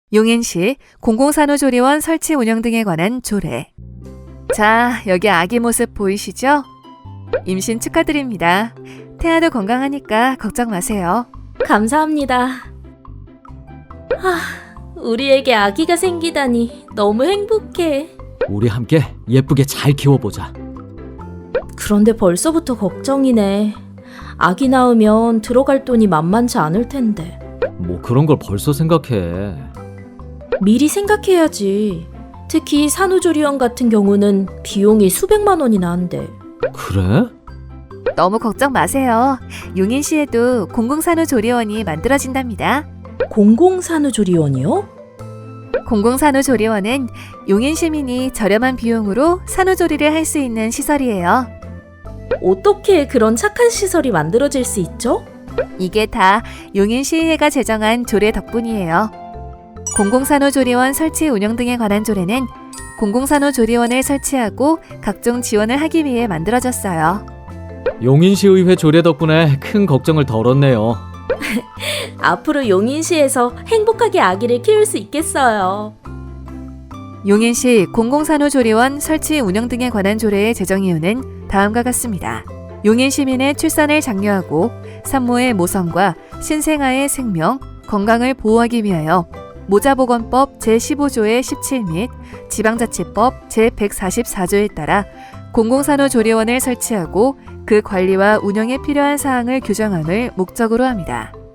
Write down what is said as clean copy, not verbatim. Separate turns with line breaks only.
용인시 공공산후조리원 설치 운영 등에 관한 조례. 자, 여기 아기 모습 보이시죠? 임신 축하드립니다. 태아도 건강하니까 걱정 마세요.
감사합니다. 우리에게 아기가 생기다니 너무 행복해.
우리 함께 예쁘게 잘 키워보자.
그런데 벌써부터 걱정이네. 아기 낳으면 들어갈 돈이 만만치 않을 텐데.
뭐 그런 걸 벌써 생각해.
미리 생각해야지. 특히 산후조리원 같은 경우는 비용이 수백만 원이나 한대.
그래?
너무 걱정 마세요. 용인시에도 공공산후조리원이 만들어진답니다.
공공산후조리원이요?
공공산후조리원은 용인 시민이 저렴한 비용으로 산후조리를 할 수 있는 시설이에요.
어떻게 그런 착한 시설이 만들어질 수 있죠?
이게 다 용인시의회가 제정한 조례 덕분이에요. 공공산후조리원 설치 운영 등에 관한 조례는 공공산후조리원을 설치하고 각종 지원을 하기 위해 만들어졌어요.
용인시의회 조례 덕분에 큰 걱정을 덜었네요.
앞으로 용인시에서 행복하게 아기를 키울 수 있겠어요.
용인시 공공산후조리원 설치 운영 등에 관한 조례의 제정 이유는 다음과 같습니다. 용인 시민의 출산을 장려하고 산모의 모성과 신생아의 생명, 건강을 보호하기 위하여 모자보건법 제15조의 17 및 지방자치법 제144조에 따라 공공산후조리원을 설치하고 그 관리와 운영에 필요한 사항을 규정함을 목적으로 합니다.